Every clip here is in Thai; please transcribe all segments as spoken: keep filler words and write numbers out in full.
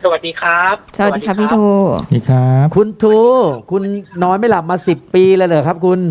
สวัสดีครับสวัสดีครับพี่ทูสวัสดีครับคุณทูคุณนอนไม่หลับมาสิบปีเลยเหรอครับคุณ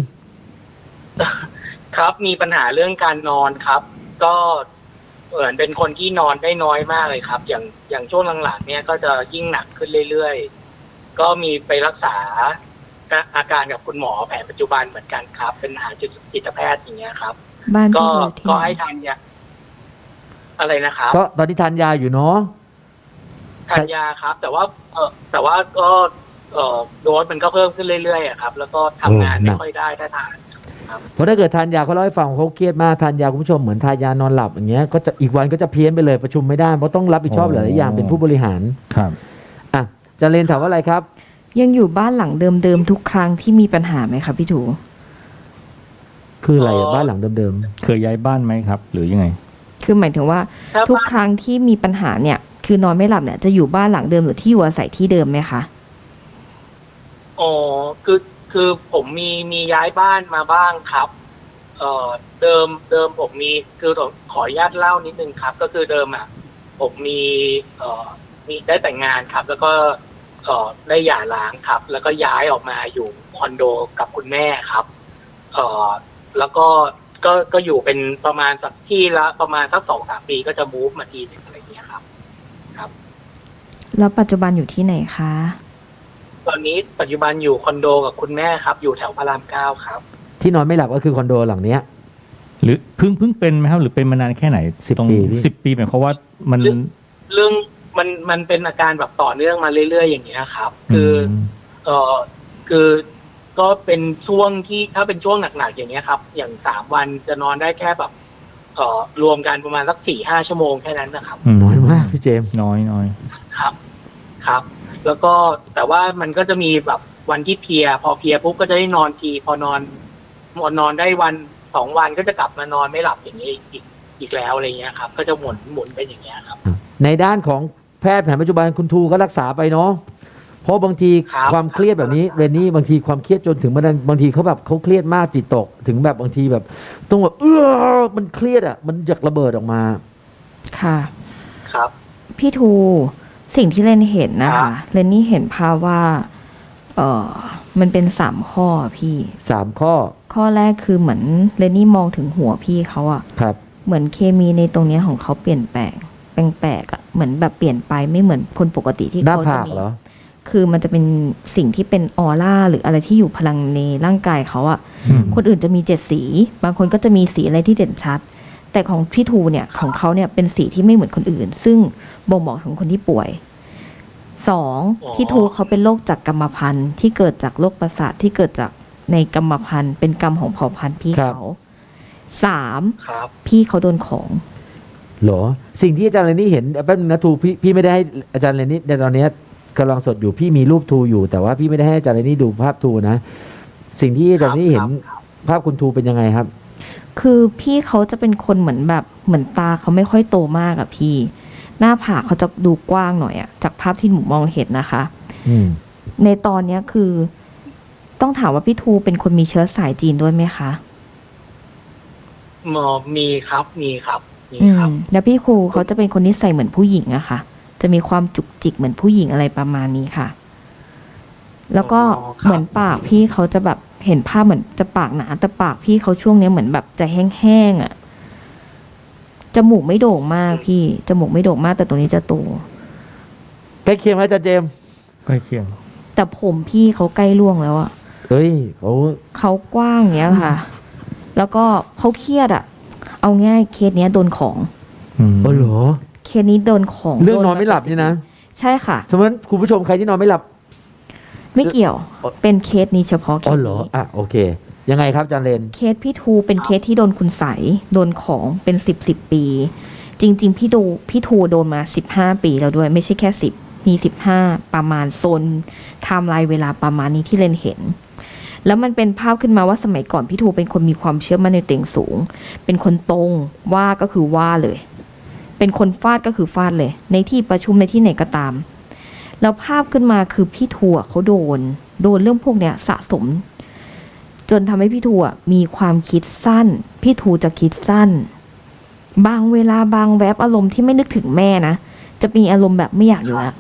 ครับมีปัญหาเรื่องการนอนครับ ก็เหมือนเป็นคนที่นอนได้น้อยมากเลยครับ อย่างอย่างช่วงหลังๆเนี่ยก็จะยิ่งหนักขึ้นเรื่อยๆก็มีไปรักษาอาการกับคุณหมอแผนปัจจุบันเหมือนกันครับ เป็นหาจิตแพทย์อย่างเงี้ยครับบ้านก็พี่อยู่ที่ก็ไหนให้ทานยาอะไรนะครับก็ตอนที่ทานยาอยู่เนาะทานยาครับ แต่ว่าเออแต่ว่าก็เออโดสมันก็เพิ่มขึ้นเรื่อยๆอะครับ แล้วก็ทำงานไม่ค่อยได้ถ้าทานเพราะถ้าเกิดทานยาเขาเล่าให้ฟังเขาเครียดมากทานยาคุณผู้ชมเหมือนทานยานอนหลับอย่างเงี้ยก็จะอีกวันก็จะเพี้ยนไปเลยประชุมไม่ได้เพราะต้องรับผิดชอบหลายๆอย่างเป็นผู้บริหารครับอ่ะจะเรียนถามว่าอะไรครับยังอยู่บ้านหลังเดิมๆทุกครั้งที่มีปัญหาไหมครับพี่ทูคืออะไรอ๋อะอบ้านหลังเดิมเคยย้ายบ้านไหมครับ หรือยังไงคือหมายถึงว่าถ้าทุกบ้านครั้งที่มีปัญหาเนี่ย คือนอนไม่หลับเนี่ยจะอยู่บ้านหลังเดิมหรือที่อยู่อาศัยที่เดิมไหมคะอ๋อคือคือผมมีมีย้ายบ้านมาบ้างครับ เอ่อเดิมเดิมผมมีคือขออนุญาตเล่านิดนึงครับ ก็คือเดิมอ่ะผมมีเอ่อมีได้แต่งงานครับ แล้วก็เอ่อได้หย่าร้างครับ แล้วก็ย้ายออกมาอยู่คอนโดกับคุณแม่ครับ เอ่อแล้วก็ก็ก็อยู่เป็นประมาณสักที่ละประมาณสักสองสามปีก็จะมูฟมาทีหนึงอะไรอย่างเงี้ยครับ ครับแล้วปัจจุบันอยู่ที่ไหนคะตอนนี้ปัจจุบันอยู่คอนโดกับคุณแม่ครับ อยู่แถวพระรามเก้าครับๆที่นอนไม่หลับก็คือคอนโดหลังเนี้ยหรือเพิ่งเพิ่งเป็นไหมครับ หรือเป็นมานานแค่ไหนสิบตรงปีพี่สิบปีหมายความว่ามันเรื่อง เรื่องมันมันเป็นอาการแบบต่อเนื่องมาเรื่อยๆอย่างเงี้ยครับ คืออมเออคือก็เป็นช่วงที่ถ้าเป็นช่วงหนักๆอย่างเงี้ยครับ อย่างสามวันจะนอนได้แค่แบบเอ่อรวมกันประมาณสักสี่ห้าชั่วโมงแค่นั้นนะครับน้อยมากพี่เจมส์น้อยน้อยครับครับ แล้วก็แต่ว่ามันก็จะมีแบบวันที่เพลีย พอเพลียปุ๊บก็จะได้นอนทีพอนอนนอนได้วันสองวันก็จะกลับมานอนไม่หลับอย่างนี้อีกอีกแล้วอะไรเงี้ยครับ ก็จะหมุนหมุนเป็นอย่างเงี้ยครับในด้านของแพทย์แผนปัจจุบันคุณทูก็รักษาไปเนาะเพราะบางทีครับความเครียดแบบนี้เรนนี่บางทีความเครียดจนถึงบางบางทีเขาแบบเขาเครียดมากจิตตกถึงแบบบางทีแบบต้องแบบเออมันเครียดอ่ะมันอยากระเบิดออกมาค่ะครับพี่ทูสิ่งที่เรนเห็นนะครัคะบเรนนี่เห็นภาพว่า เออมันเป็นสามข้อพี่สามข้อข้อแรกคือเหมือนเรนนี่มองถึงหัวพี่เขาอะครับเหมือนเคมีในตรงเนี้ยของเขาเปลี่ยนแปลงแปลกๆอะเหมือนแบบเปลี่ยนไปไม่เหมือนคนปกติที่หน้าเขาผาจะกมีเหรอคือมันจะเป็นสิ่งที่เป็นออร่าหรืออะไรที่อยู่พลังในร่างกายเขาอะอืมคนอื่นจะมีเจ็ดสี บางคนก็จะมีสีอะไรที่เด่นชัด แต่ของพี่ทูเนี่ยของเขาเนี่ยเป็นสีที่ไม่เหมือนคนอื่น ซึ่งบ่งบอกถึงคนที่ป่วยสองอ๋อพี่ทูเขาเป็นโรคจากกรรมพันธุ์ที่เกิดจากโรคประสาทที่เกิดจากในกรรมพันธุ์เป็นกรรมของเผ่าพันธุ์พี่ครับเขาสามครับพี่เขาโดนของเหรอสิ่งที่อาจารย์เรนนี่เห็นแป๊บนึงนะทูพี่พี่ไม่ได้ให้อาจารย์เรนนี่ในตอนเนี้ยกำลังสดอยู่พี่มีรูปทูอยู่แต่ว่าพี่ไม่ได้ให้อาจารย์เรนนี่ดูภาพทูนะสิ่งที่อาจารย์เรนนี่เห็นครับภาพคุณทูเป็นยังไงครับคือพี่เขาจะเป็นคนเหมือนแบบเหมือนตาเขาไม่ค่อยโตมากอะพี่ หน้าผากเขาจะดูกว้างหน่อยอะจากภาพที่หนูมองเห็นนะคะอืมในตอนเนี้ยคือ ต้องถามว่าพี่ทูเป็นคนมีเชื้อสายจีนด้วยไหมคะหมอมีครับมีครับมีอืครับมแล้วพี่ครูเขาจะเป็นคนนิสัยเหมือนผู้หญิงอะค่ะ จะมีความจุกจิกเหมือนผู้หญิงอะไรประมาณนี้ค่ะ แล้วก็อ๋อครับเหมือนปากพี่เขาจะแบบเห็นภาพเหมือนจะปากหนาแต่ปากพี่เขาช่วงเนี้ยเหมือนแบบจะแห้งๆอะจมูกไม่โด่งมากพี่จมูกไม่โด่งมากแต่ตรงนี้จะโตใกล้เคียงไหมอาจารย์เจมส์ใกล้เคียงแต่ผมพี่เขาใกล้ล่วงแล้วอะเฮ้ยเขาเขากว้างอย่างเงี้ยค่ะ แล้วก็เขาเครียดอะเอาง่ายเคสเนี้ยโดนของอืมเออเหรอเคสนี้โดนของเรื่องโดนอนไม่หลับนี่นะใช่ค่ะสมมติคุณผู้ชมใครที่นอนไม่หลับไม่เกี่ยวอ๋อเป็นเคสนี้เฉพาะเคอ๋อสเหรอนี้อ่ะโอเค ยังไงครับอาจารย์เรนเคสพี่ทูเป็นเคสที่โดนคุณใสยโดนของเป็นสิบสิบปี จริง ๆ พี่ดูพี่ทูโดนมาสิบห้าปีแล้วด้วย ไม่ใช่แค่สิบมีสิบห้าประมาณโซนไทม์ไลน์เวลาประมาณนี้ที่เรนเห็น แล้วมันเป็นภาพขึ้นมาว่าสมัยก่อนพี่ทูเป็นคนมีความเชื่อมั่นในตัวเองสูง เป็นคนตรงว่าก็คือว่าเลย เป็นคนฟาดก็คือฟาดเลย ในที่ประชุมในที่ไหนก็ตาม แล้วภาพขึ้นมาคือพี่ทูอะเขาโดน โดนเรื่องพวกเนี้ยสะสม จนทำให้พี่ทูอะมีความคิดสั้น พี่ทูจะคิดสั้น บางเวลาบางแวบอารมณ์ที่ไม่นึกถึงแม่นะ จะมีอารมณ์แบบไม่อยากอยู่แล้ว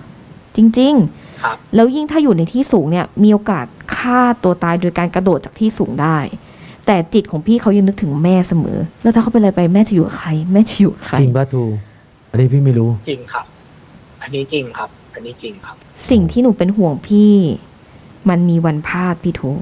จริงครับๆ แล้วยิ่งถ้าอยู่ในที่สูงเนี่ย มีโอกาสฆ่าตัวตายโดยการกระโดดจากที่สูงได้ แต่จิตของพี่เขายังนึกถึงแม่เสมอ แล้วถ้าเขาเป็นอะไรไปแม่จะอยู่กับใคร แม่จะอยู่กับใครจริงป่ะทูอันนี้พี่ไม่รู้จริงครับ อันนี้จริงครับ อันนี้จริงครับสิ่งที่หนูเป็นห่วงพี่ มันมีวันพลาดพี่ทู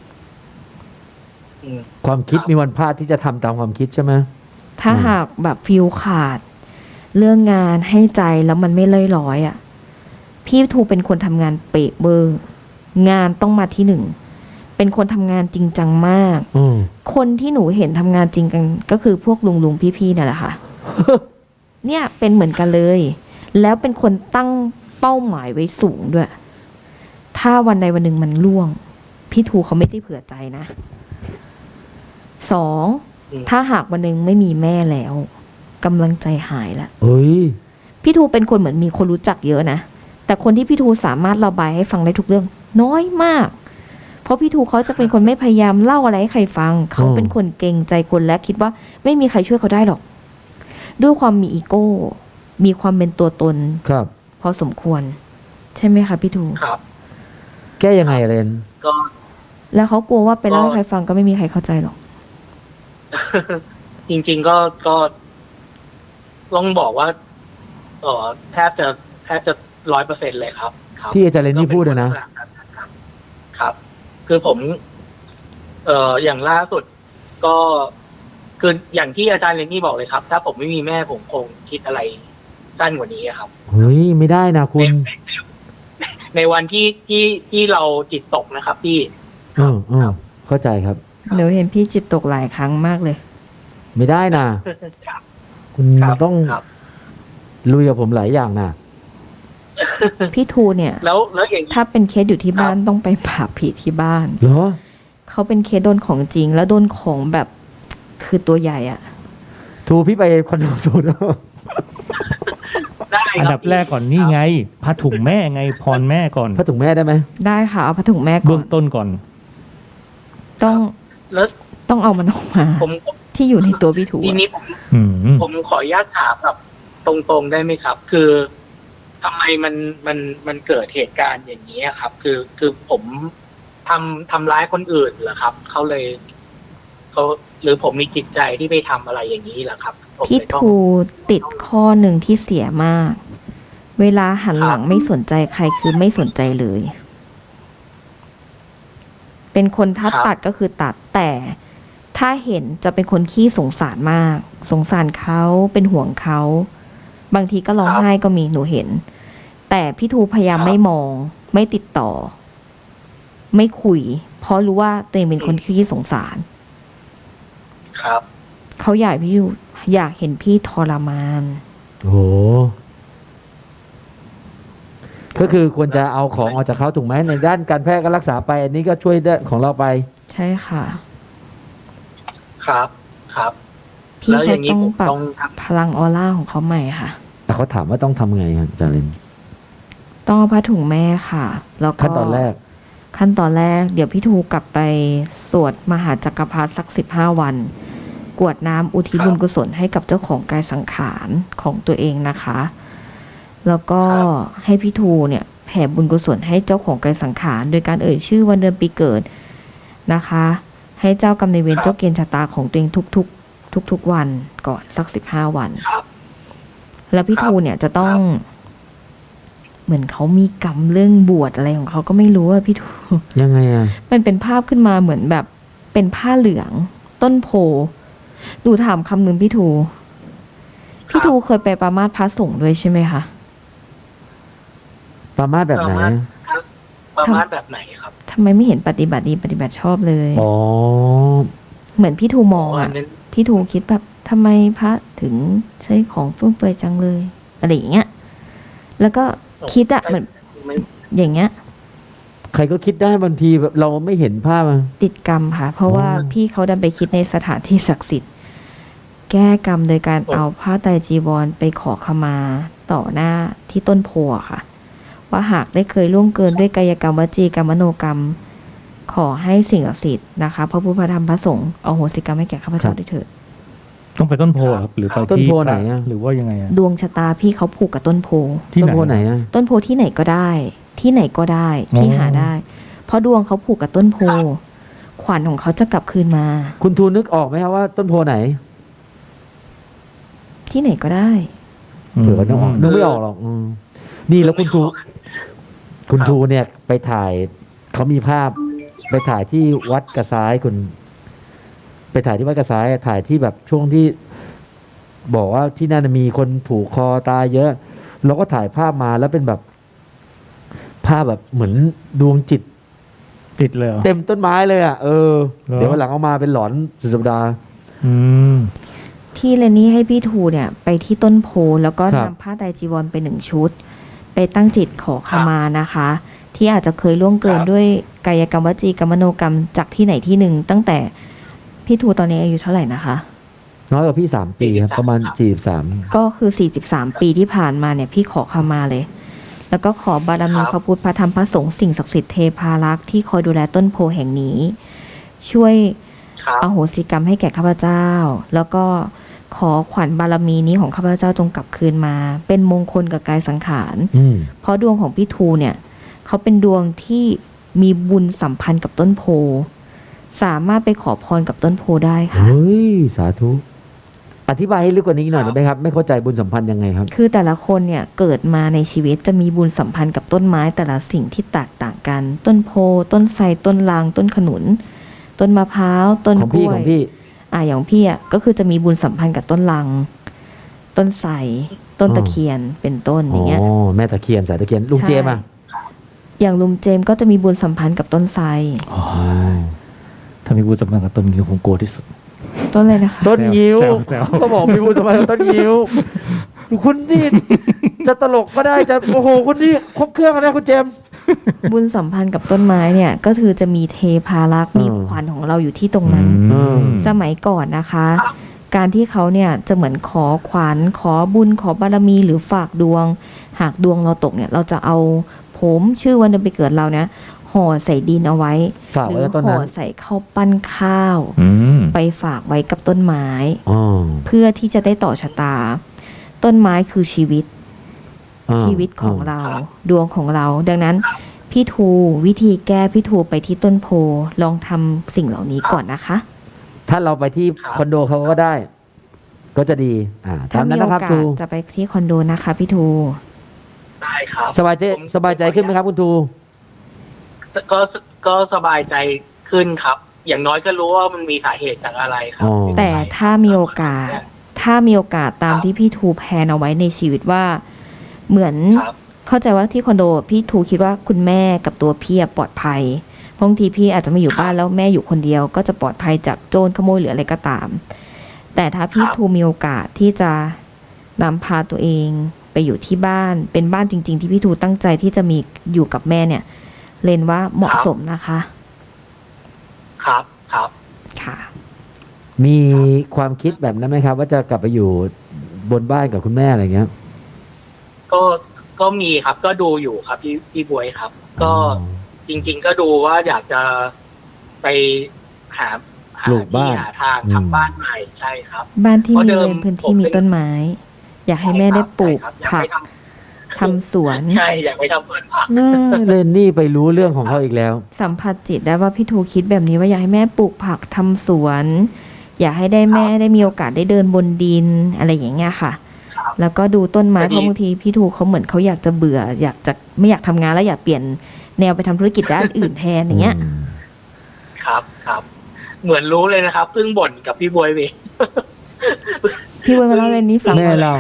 อืมความคิดครับมีวันพลาดที่จะทำตามความคิดใช่ไหมถ้าอืมหากแบบฟิลขาด เรื่องงานให้ใจแล้วมันไม่เล่อยร้อยอะ่ะ พี่ทูเป็นคนทำงานเป๊ะเบอร์ งานต้องมาที่หนึ่ง เป็นคนทำงานจริงจังมากอืมคนที่หนูเห็นทำงานจริงกันก็คือพวกลุงลุงๆพี่ๆนั่นแหละค่ะ เนี่ยเป็นเหมือนกันเลย แล้วเป็นคนตั้งเป้าหมายไว้สูงด้วย ถ้าวันใดวันหนึ่งมันล่วง พี่ทูเขาไม่ได้เผื่อใจนะ สองอืมถ้าหากวันหนึ่งไม่มีแม่แล้วกำลังใจหายละเฮ้ยพี่ทูเป็นคนเหมือนมีคนรู้จักเยอะนะ แต่คนที่พี่ทูสามารถระบายให้ฟังได้ทุกเรื่อง น้อยมาก เพราะพี่ทูเขาจะเป็นคนไม่พยายามเล่าอะไรให้ใครฟัง เขาเป็นคนเกรงใจคนและคิดว่าไม่มีใครช่วยเขาได้หรอก ด้วยความมีอีโก้ มีความเป็นตัวตนครับพอสมควร ใช่ไหมคะพี่ทูครับแก้ยังไงเรนก็แล้วเขากลัวว่าไปเล่าให้ใครฟังก็ไม่มีใครเข้าใจหรอกจริง ๆ ก็ก็ต้องบอกว่าเออแทบจะแทบจะร้อยเปอร์เซ็นเลยครับ ครับที่อาจารย์เรนนี่พูดอะนะครับ ครับ คือผม เอ่ออย่างล่าสุด ก็คืออย่างที่อาจารย์เรนนี่บอกเลยครับ ถ้าผมไม่มีแม่ผมคงคิดอะไรสั้นกว่านี้อะครับเฮ้ย ไม่ได้นะคุณในวันที่ที่ที่เราจิตตกนะครับ พี่อืมอืมเข้าใจครับหนูเห็นพี่จิตตกหลายครั้งมากเลยไม่ได้นะครับคุณครับต้องครับลุยกับผมหลายอย่างนะพี่ทูเนี่ยแล้วแล้วอย่างนี้ถ้าเป็นเคสอยู่ที่บ้านต้องไปปราบผีที่บ้านเหรอเขาเป็นเคสโดนของจริง แล้วโดนของแบบคือตัวใหญ่อะทูพี่ไปคอนโดทูนะได้อันคดัรับบแรกก่อนนี่ไงผ้าถุงแม่ไงพรแม่ก่อนพระถุงแม่ได้ไหมได้ค่ะ เอาผ้าถุงแม่ก่เบื้ออน งต้นก่อนต้องแล้วต้องเอามันออกมาผมที่อยู่ในตัวพี่ทูทีอะนี้ผมอืมผมขออนุญาตถามแบบตรงๆได้ไหมครับ คือทำไมมันมันมันเกิดเหตุการณ์อย่างนี้อะครับ คือคือผมทำทำร้ายคนอื่นเหรอครับเขาเลยเขาหรือผมมีจิตใจที่ไปทำอะไรอย่างนี้เหรอครับผมพี่เลยต้องทูติดข้อหนึ่งที่เสียมาก เวลาหันหลังครับไม่สนใจใครคือไม่สนใจเลย เป็นคนถ้าตัดก็คือตัด แต่ถ้าเห็นจะเป็นคนขี้สงสารมาก สงสารเขาเป็นห่วงเขา บางทีก็ร้องไห้ก็มีหนูเห็น แต่พี่ทูพยายามไม่มอง ไม่ติดต่อ ไม่คุย เพราะรู้ว่าตัวเองเป็นคนขี้สงสารครับเขาอยากพี่อยู่อยากเห็นพี่ทรมานโอ้โห ก็คือควรจะเอาของออกจากเขาถูกไหมในด้านการแพทย์ก็รักษาไป อันนี้ก็ช่วยได้ของเราไปใช่ค่ะครับครับพี่แล้วอเขาย่างนี้ต้องผมปรับต้องทพลังออร่าของเขาใหม่ค่ะแต่เขาถามว่าต้องทำไงครับอาจารย์เรนต้องเอาผ้าถุงแม่ค่ะ แล้วก็ขั้นตอนแรกขั้นตอนแรก เดี๋ยวพี่ทูกลับไปสวดมหาจักรพรรดิสักสิบห้าวัน กรวดน้ำอุทิศบุญกุศลให้กับเจ้าของกายสังขารของตัวเองนะคะ แล้วก็ให้พี่ทูเนี่ยแผ่บุญกุศลให้เจ้าของกายสังขารโดยการเอ่ยชื่อวันเดือนปีเกิดนะคะ ให้เจ้ากรรมนายเวรเจ้าเกณฑ์ชะตาของตัวเองทุกๆ ทุกๆวันก่อนสักสิบห้าวันำครับแล้วพี่ครับทูเนี่ยจะต้อง เหมือนเขามีกรรมเรื่องบวชอะไรของเขาก็ไม่รู้อะพี่ทูยังไงอ่ะมันเป็นภาพขึ้นมาเหมือนแบบเป็นผ้าเหลือง ต้นโพดูถามคำหนึ่งพี่ทู พี่ทูเคยไปประมาสพระสงฆ์ด้วยใช่ไหมคะประมาทแบบไหนประมาท ประมาณแบบไหนครับทำไมไม่เห็นปฏิบัติดีปฏิบัติชอบเลยอ๋อเหมือนพี่ทูมองอัอะนนั้นพี่ทูคิดแบบทำไมพระถึงใช้ของฟุ่มเฟือยจังเลย อะไรอย่างเงี้ย แล้วก็คิดอะเหมือนไม่อย่างเงี้ยใครก็คิดได้บางทีแบบเราไม่เห็นภาพอะติดกรรมค่ะ เพราะว่าอ๋อพี่เขาดันไปคิดในสถานที่ศักดิ์สิทธิ์ แก้กรรมโดยการโอ้เอาผ้าไตรจีวรไปขอขมาต่อหน้าที่ต้นโพอะค่ะ ว่าหากได้เคยล่วงเกินด้วยกายกรรมวจีกรรมมโนกรรม ขอให้สิ่งศักดิ์สิทธิ์นะคะพระพุทธพระธรรมพระสงฆ์เอาโหสิกรรมให้แก่ข้าพเจ้าด้วยเถิดต้องไปต้นโพครับ หรือไปต้นที่โพไหนอะหรือว่ายังไงอะดวงชะตาพี่เขาผูกกับต้นโพที่ต้นไหนโพไหนอ่ะต้นโพที่ไหนก็ได้ ที่ไหนก็ได้ที่อ๋อหาได้ เพราะดวงเขาผูกกับต้นโพ ขวัญของเขาจะกลับคืนมาคุณทูนึกออกไหมครับว่าต้นโพไหนที่ไหนก็ได้เผื่อว่านึกออกนึกไม่ออกหรอกอืมนี่แล้วคุณทู คุณทูเนี่ยไปถ่ายเขามีภาพ ไปถ่ายที่วัดกระซ้ายคุณ ไปถ่ายที่วัดกระซ้ายถ่ายที่แบบช่วงที่ บอกว่าที่นั่นมีคนผูกคอตายเยอะเราก็ถ่ายภาพมาแล้วเป็นแบบ ภาพแบบเหมือนดวงจิตติดเลยเหรอเต็มต้นไม้เลยอ่ะเออเหรอเดี๋ยววันหลังเอามาเป็นหลอนสุดสัปดาห์อืมที่เลนนี่ให้พี่ทูเนี่ย ไปที่ต้นโพแล้วก็ครับนำผ้าไตรจีวรไปหนึ่งชุด ไปตั้งจิตขอขมานะคะ ที่อาจจะเคยล่วงเกินครับด้วยกายกรรมวจีกรรมมโนกรรมจากที่ไหนที่หนึ่ง ตั้งแต่พี่ทูตอนนี้อายุเท่าไหร่นะคะน้อยกว่าพี่สามปีครับ ประมาณสี่สิบสามก็คือ สี่สิบสาม ปีที่ผ่านมาเนี่ย พี่ขอขมาเลย แล้วก็ขอบารมีครับพระพุทธพระธรรมพระสงฆ์สิ่งศักดิ์สิทธิ์เทพารักษ์ที่คอยดูแลต้นโพแห่งนี้ ช่วยครับอโหสิกรรมให้แก่ข้าพเจ้า แล้วก็ขอขวัญบารมีนี้ของข้าพเจ้าจงกลับคืนมา เป็นมงคลกับกายสังขารอืมเพราะดวงของพี่ทูเนี่ยเขาเป็นดวงที่มีบุญสัมพันธ์กับต้นโพ สามารถไปขอพรกับต้นโพได้ค่ะเฮ้ย สาธุ อธิบายให้ลึกกว่านี้หน่อยได้ไหมครับ ไม่เข้าใจบุญสัมพันธ์ยังไงครับคือแต่ละคนเนี่ยเกิดมาในชีวิตจะมีบุญสัมพันธ์กับต้นไม้แต่ละสิ่งที่แตกต่างกัน ต้นโพ ต้นไทรต้นลาง ต้นขนุน ต้นมะพร้าว ต้นของกพี่ล้ขวอย งพี่อ่าอย่างพี่อ่ะก็คือจะมีบุญสัมพันธ์กับต้นลัง ต้นไทรต้นตะเคียนเป็นต้นออ๋ย่างเงี้ยอ แม่ตะเคียนสายตะเคียน ลุงเจมส์อ่ะอย่างลุงเจมส์ก็จะมีบุญสัมพันธ์กับต้นไทรอ๋อ ถ้ามีบุญสัมพันธ์กับต้นงิ้วผมกลัวที่สุดต้นอะไรนะคะต้นงิ้วแซวแซวก็บอกมีบุญสัมพันธ์กับต้นงิ้ว คุณนี่จะตลกก็ได้จะโอ้โหคุณนี่ครบเครื่องนะคุณเจมส์บุญสัมพันธ์กับต้นไม้เนี่ย ก็คือจะมีเทพารักษ์มีอืมขวัญของเราอยู่ที่ตรงนั้นอืมสมัยก่อนนะคะ การที่เขาเนี่ยจะเหมือนขอขวัญขอบุญขอบารมีหรือฝากดวง หากดวงเราตกเนี่ย เราจะเอาผมชื่อวันเดือนปีเกิดเราเนี่ยห่อใส่ดินเอาไว้ฝากหไว้รืกับต้นห่อนั้นใส่ข้าวปั้นข้าวอืมไปฝากไว้กับต้นไม้อ๋อเพื่อที่จะได้ต่อชะตา ต้นไม้คือชีวิตอ่าชีวิตของเรา ดวงของเรา ดังนั้น พี่ทูวิธีแก้พี่ทูไปที่ต้นโพลองทำสิ่งเหล่านี้ก่อนนะคะถ้าเราไปที่ครับคอนโดเขาก็ได้ ก็จะดี อ่าถ้าตามมีนั้นโอนะครับกาทูสจะไปที่คอนโดนะคะ พี่ทูได้ครับสบายใจผมสบายใจขึ้นไหมครับคุณทูก็ก็สบายใจขึ้นครับ อย่างน้อยก็รู้ว่ามันมีสาเหตุจากอะไรครัอ๋อแต่ถ้ามีโอกาส ถ้ามีโอกาสตามที่พี่ทูแพลนเอาไว้ในชีวิตว่า เหมือนครับเข้าใจว่าที่คอนโดพี่ทูคิดว่าคุณแม่กับตัวพี่อะปลอดภัยบางทีพี่อาจจะไม่อยู่บ้านแล้วแม่อยู่คนเดียว ก็จะปลอดภัยจากโจรขโมยหรืออะไรก็ตาม แต่ถ้าพี่ครับทูมีโอกาสที่จะนำพาตัวเองไปอยู่ที่บ้าน เป็นบ้านจริง ๆ ที่พี่ทูตั้งใจที่จะมีอยู่กับแม่เนี่ย เลนว่าเหมาะสมนะคะครับครับค่ะมีความคิดแบบนั้นไหมครับ ว่าจะกลับไปอยู่บนบ้านกับคุณแม่อะไรเงี้ยก็ก็มีครับ ก็ดูอยู่ครับพี่พี่บวยครับ ก็อ๋อจริง ๆ ก็ดูว่าอยากจะไปหาหาปลูกบ้านที่หาทางอืมทำบ้านใหม่ใช่ครับบ้านที่เพราะมีเดิมเลนพื้นผที่มมีเป็นต้นไม้ อยากให้แม่ได้ปลูกใช่ครับอยากผักไปททำสวนำใช่อยากไปทำสวนผักน่าเลนนี่ไปรู้เรื่องของเขาอีกแล้วสัมผัสจิตได้ว่าพี่ทูคิดแบบนี้ว่าอยากให้แม่ปลูกผักทำสวน อยากให้ได้แม่ได้มีโอกาสได้เดินบนดินอะไรอย่างเงี้ยค่ะ แล้วก็ดูต้นไม้พอดีเพราะบางทีพี่ทูเขาเหมือนเขาอยากจะเบื่อ อยากจะไม่อยากทำงานแล้วอยากเปลี่ยนแนวไปทำธุรกิจด้านอื่นแทนอย่างเงี้ยครับครับ เหมือนรู้เลยนะครับเพิ่งบ่นกับพี่บวยเองพี่เวยมาเล่าเรื่องนี้ฟังแม่เรา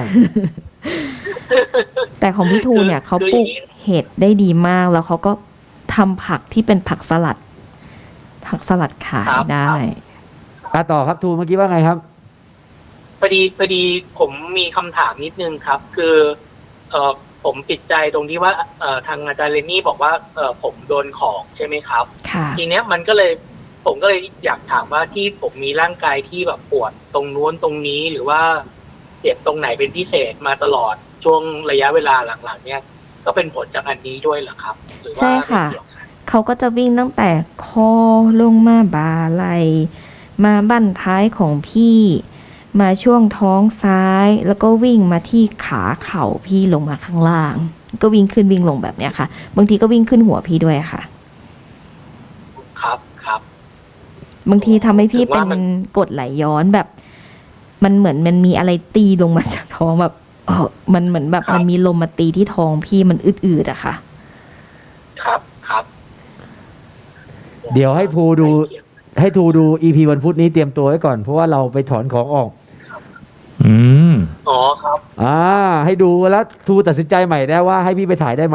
แต่ของพี่ทูเนี่ยเขาปลูกเห็ดได้ดีมาก แล้วเขาก็ทำผักที่เป็นผักสลัด ผักสลัดขายได้อ่ะต่อครับทูเมื่อกี้ว่าไงครับพอดีพอดีผมมีคำถามนิดนึงครับ คือเออผมติดใจตรงที่ว่าเออทางอาจารย์เรนนี่บอกว่าเออผมโดนของใช่ไหมครับค่ะทีเนี้ยมันก็เลยผมก็เลยอยากถามว่าที่ผมมีร่างกายที่แบบปวดตรงนู้นตรงนี้หรือว่าเจ็บตรงไหนเป็นพิเศษมาตลอดช่วงระยะเวลาหลังๆ เนี่ยก็เป็นผลจากอันนี้ด้วยเหรอครับ หรือว่าใช่ค่ะไม่เกี่ยวกันเขาก็จะวิ่งตั้งแต่คอลงมาบ่าไหลมาบั้นท้ายของพี่มาช่วงท้องซ้ายแล้วก็วิ่งมาที่ขาเข่าพี่ลงมาข้างล่าง ก็วิ่งขึ้นวิ่งลงแบบเนี้ยค่ะ บางทีก็วิ่งขึ้นหัวพี่ด้วยค่ะครับครับบางทีทำให้พี่ถือเป็ว่าน มันกรดไหลย้อนแบบ มันเหมือนมันมีอะไรตีลงมาจากท้องแบบเออมันเหมือนแบบมันมีลมมาตีที่ท้องพี่มันอืดๆอะค่ะครับครับเดี๋ยวให้ทูดู ให้ทูดูอีพีวันพุธนี้เตรียมตัวไว้ก่อนเพราะว่าเราไปถอนของออกอืมอ๋อครับอ่า ให้ดูแล้วทูตัดสินใจใหม่ได้ว่าให้พี่ไปถ่ายได้ไหม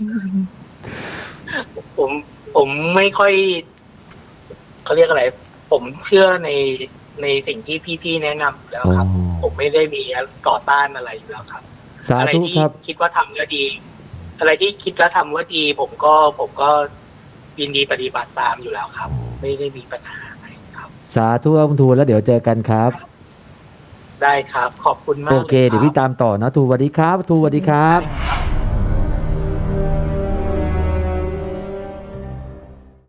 ผมผมไม่ค่อยเขาเรียกอะไร ผมเชื่อในในสิ่งที่พี่ๆแนะนำอยู่แล้วครับอ๋อผมไม่ได้มีต่อต้านอะไรอยู่แล้วครับสาอะไรธุที่ครับคิดว่าทำแล้วดี อะไรที่คิดว่าทำว่าดี ผมก็ผมก็ยินดีปฏิบัติตามอยู่แล้วครับ ไม่ได้มีปัญหาอะไรครับสาธุครับคุณทูแล้วเดี๋ยวเจอกันครับได้ครับ ขอบคุณมากโอเคลยรับเดี๋ยวพี่ตามต่อนะทูสวัสดีครับทูสวัสดีครับได้